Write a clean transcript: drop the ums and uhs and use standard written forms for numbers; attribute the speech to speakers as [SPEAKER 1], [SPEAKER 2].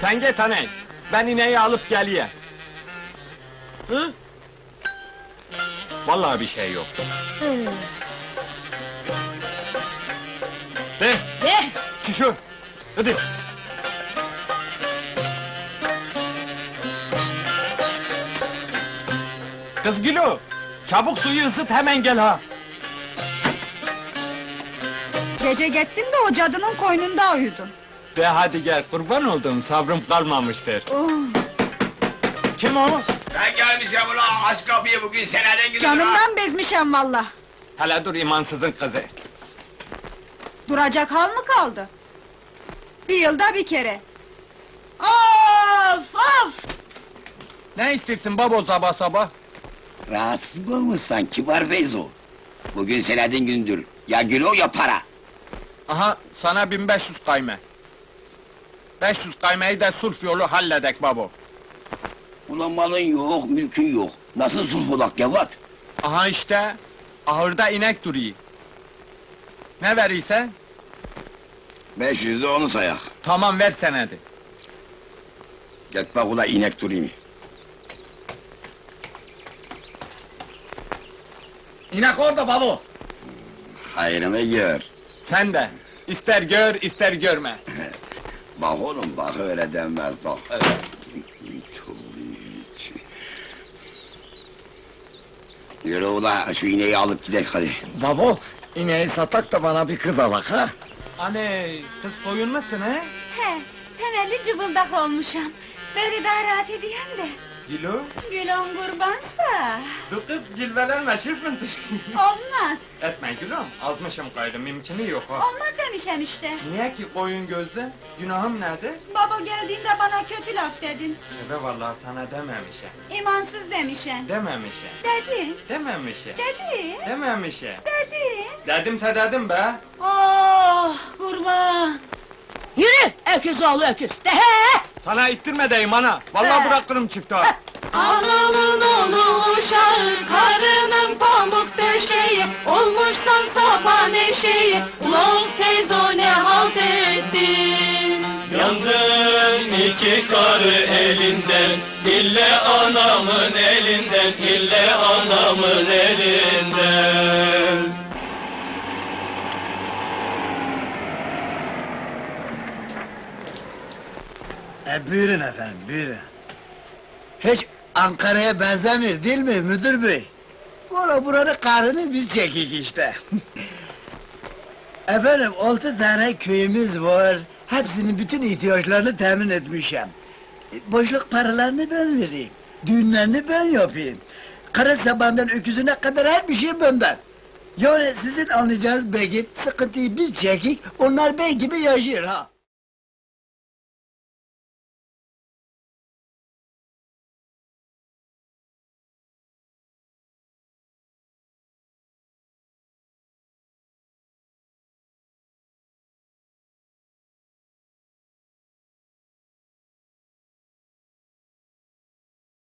[SPEAKER 1] Sen git aney, ben ineği alıp geleyim.
[SPEAKER 2] Hı?
[SPEAKER 1] Vallahi bir şey yok.
[SPEAKER 2] Hı.
[SPEAKER 1] De,
[SPEAKER 2] De!
[SPEAKER 1] çişur, hadi. Kız Gülü, çabuk suyu ısıt hemen gel ha.
[SPEAKER 3] Gece gittin de o cadının koynunda uyudun.
[SPEAKER 1] De hadi gel, kurban olduğum sabrım kalmamıştır.
[SPEAKER 3] Oh,
[SPEAKER 1] Kim o?
[SPEAKER 4] Ben gelmişim ulan, aç kapıyı bugün seneden gidiyor.
[SPEAKER 3] canımdan bezmişem valla.
[SPEAKER 1] Hele dur imansızın kızı.
[SPEAKER 3] Duracak hal mı kaldı? Bir yılda bir kere. Of of!
[SPEAKER 1] Ne istersin babo sabah sabah?
[SPEAKER 4] Rahatsız mı olmuşsan kibar Feyzo? Bugün senedin gündür, ya gülo ya para.
[SPEAKER 1] Aha, sana 1500 kayme. 500 kaymeyi de sulh yolu halledek babo.
[SPEAKER 4] Ulan malın yok, mülkün yok. Nasıl sulh olak Gevat?
[SPEAKER 1] Aha işte, ahırda inek duruyor. Ne verirsen?
[SPEAKER 4] 500 de onu sayak.
[SPEAKER 1] Tamam ver senedi.
[SPEAKER 4] Git bak ula inek durayım.
[SPEAKER 2] İnek orada babo!
[SPEAKER 4] Hayrını gör.
[SPEAKER 1] Sen de, ister gör ister görme.
[SPEAKER 4] Bak oğlum, bak öyle denmez, bak öyle. Hiç. Yürü ula, şu ineği alıp gidelim hadi.
[SPEAKER 2] Babo, ineği satak da bana bir kız alak ha!
[SPEAKER 1] Anne, kız soyunmasın he?
[SPEAKER 3] He, temelli cıbıldak olmuşam. Böyle daha rahat edeyim de.
[SPEAKER 1] Gülü,
[SPEAKER 3] Gülüm kurbansa.
[SPEAKER 1] dur kız cilvelenme şırfıntı.
[SPEAKER 3] Olmaz.
[SPEAKER 1] Etme gülüm, azmışım gayrı, mümkünü yok ha.
[SPEAKER 3] Olmaz demişem işte.
[SPEAKER 1] Niye ki koyun gözlü? Günahım nerede?
[SPEAKER 3] Baba geldiğinde bana kötü laf dedin.
[SPEAKER 1] Ebe vallahi sana dememişim.
[SPEAKER 3] İmansız demişem.
[SPEAKER 1] Dememişim.
[SPEAKER 3] Dedin,
[SPEAKER 1] Dememişim.
[SPEAKER 3] dedin,
[SPEAKER 1] Dememişim.
[SPEAKER 3] dedin.
[SPEAKER 1] Dedimse dedim be.
[SPEAKER 3] Oh kurban!
[SPEAKER 2] Yürü! Öküz oğlu öküz! De he!
[SPEAKER 1] Sana ittirme deyim ana. Vallahi
[SPEAKER 3] He.
[SPEAKER 1] bırakırım çifti ha.
[SPEAKER 5] Anamın oğlu uşağı, karının pamuk döşeği, olmuşsan sapan eşeği, ulan Feyzo ne halt ettin?
[SPEAKER 6] Yandım iki karı elinden, ille anamın elinden, ille anamın elinden.
[SPEAKER 7] Buyurun efendim, buyurun. Hiç Ankara'ya benzemiyor değil mi müdür bey? Valla buranın karını biz çekik işte. Efendim, 6 tane köyümüz var. Hepsinin bütün ihtiyaçlarını temin etmişim. Boşluk paralarını ben vereyim. Düğünlerini ben yapayım. Kara sabandan öküzüne kadar her bir şey benden. Yani sizin anlayacağınız bey gibi sıkıntıyı biz çekik, onlar bey gibi yaşıyor ha.